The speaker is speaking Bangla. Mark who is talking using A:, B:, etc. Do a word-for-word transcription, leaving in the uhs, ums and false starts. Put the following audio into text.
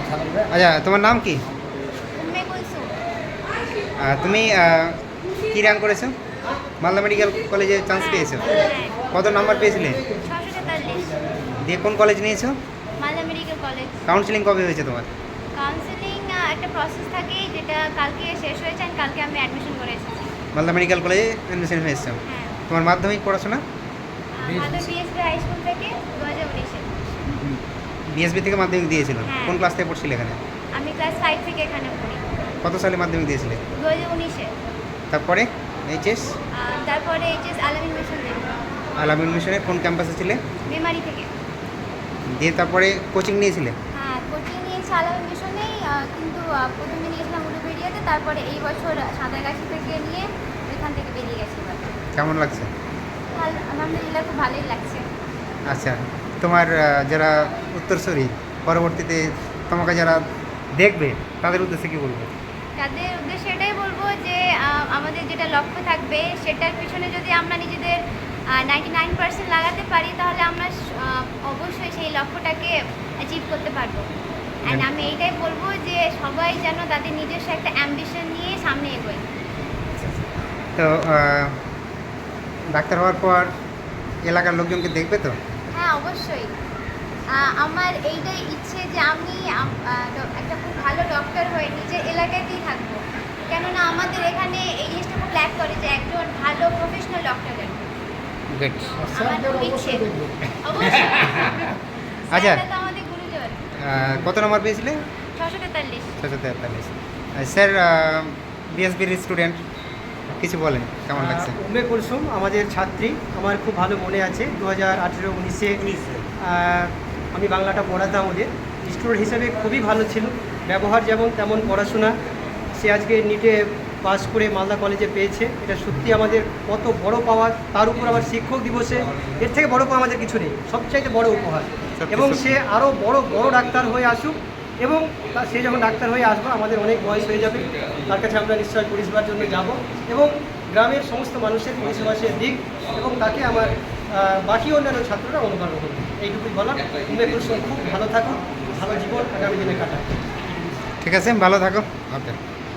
A: আচ্ছা, তোমার নাম কি?
B: উম্মে কুলসুম।
A: আহ, তুমি আহ, কি র্যাঙ্ক করেছো? মালদা মেডিকেল কলেজে চান্স পেয়েছো?
B: হ্যাঁ,
A: কত নাম্বার পেয়েছিলে?
B: ছশো তেতাল্লিশ।
A: দিয়ে কোন কলেজ নিয়েছো?
B: Malda medical college.
A: কাউন্সিলিং কবে হয়েছে তোমার?
B: কাউন্সেলিং একটা প্রসেস থাকে যেটা কালকে শেষ হয়েছে আর কালকে আমি অ্যাডমিশন করে এসেছি।
A: মালদা মেডিকেল কলেজে অ্যাডমিশন হয়েছে।
B: হ্যাঁ,
A: তোমার মাধ্যমিক পড়াশোনা?
B: মালদা বিএসবি হাই স্কুল থেকে দু হাজার উনিশে।
A: বিএসবি থেকে মাধ্যমিক দিয়েছিল?
B: হ্যাঁ।
A: কোন ক্লাস থেকে পড়ছিলে এখানে?
B: আমি ক্লাস ফাইভ থেকে এখানে পড়ি।
A: কত সালে মাধ্যমিক দিয়েছিলে?
B: দু হাজার উনিশে।
A: তারপরে এইচএস?
B: তারপরে এইচএস আলামিন মিশন দিই।
A: আলামিন মিশনের কোন ক্যাম্পাসে ছিলে?
B: মেমারি থেকে।
A: দিয়ে তারপরে কোচিং নিয়েছিলে?
B: হ্যাঁ, কোচিং নিয়েছি আলামিন মিশনেই, আহ, কিন্তু আহ, প্রথমে নিয়েছিলাম উলুবেড়িয়াতে, তারপরে এই বছর সাঁতারগাছি থেকে নিয়ে এখান থেকে বেরিয়ে গেছি এবার।
A: কেমন লাগছে?
B: ভালো, আলহামদুলিল্লাহ খুব ভালোই লাগছে।
A: আচ্ছা, তোমার আহ, যারা উত্তরসূরি পরবর্তীতে তোমাকে যারা দেখবে তাদের উদ্দেশ্যে কি বলবো?
B: তাদের উদ্দেশ্যে এটাই বলবো যে আহ, আমাদের যেটা লক্ষ্য থাকবে সেটার পিছনে যদি আমরা নিজেদের নাইনটি নাইন পার্সেন্ট লাগাতে পারি তাহলে আমরা আহ, অবশ্যই সেই লক্ষ্যটাকে অ্যাচিভ করতে পারবো। অ্যান্ড আমি এইটাই বলবো যে সবাই যেন তাদের নিজস্ব একটা অ্যাম্বিশন নিয়ে সামনে এগোয়।
A: তো আহ, ডাক্তার হওয়ার পর এলাকার লোকজনকে দেখবে তো?
B: হ্যাঁ, অবশ্যই। আহ, আমার এইটাই ইচ্ছে যে আমি আম- আহ, ড- একটা খুব ভালো ডক্টর হয়ে নিজের এলাকাতেই থাকবো, কেননা আমাদের এখানে এই জিনিসটা খুব ল্যাক করে যে একজন ভালো প্রফেশনাল ডক্টরের।
A: গুড।
B: আমার খুব ইচ্ছে। অবশ্যই।
A: আচ্ছা।
B: স্যাররা তো আমাদের গুরুজন।
A: আহ, কত নম্বর পেয়েছিলে?
B: ছশো তেতাল্লিশ।
A: ছশো তেতাল্লিশ। স্যার, বিএসবির স্টুডেন্ট, কিছু বলেন, কেমন লাগছে?
C: আহ, উম্মে কুলসুম আমাদের ছাত্রী, আমার খুব ভালো মনে আছে। দু হাজার আঠেরো উনিশে আমি বাংলাটা পড়াতাম ওদের। স্টুডেন্ট হিসেবে খুবই ভালো ছিল, ব্যবহার যেমন তেমন পড়াশোনা। সে আজকে নিটে পাস করে মালদা কলেজে পেয়েছে, এটা সত্যি আমাদের কত বড় পাওয়া। তার উপর আবার শিক্ষক দিবসে এর থেকে বড় পাওয়া আমাদের কিছু নেই, সবচাইতে বড় উপহার।
A: সত্যি,
C: এবং
A: সত্যি।
C: সে আরও বড় বড় ডাক্তার হয়ে আসুক, এবং তা সে যখন ডাক্তার হয়ে আসবে আমাদের অনেক বয়স হয়ে যাবে, তার কাছে আমরা নিশ্চয়ই পরিষেবার জন্য যাব, এবং গ্রামের সমস্ত মানুষের পরিষেবা সে দিক, এবং তাকে আমার আহ, বাকি অন্যান্য ছাত্ররা অনুকরণ করবে। এইটুকুই বলার। উম্মে কুলসুম খুব ভালো থাকুক, ভালো জীবন আগামী দিনে কাটাক।
A: ঠিক আছে, ভালো থাকো। ওকে।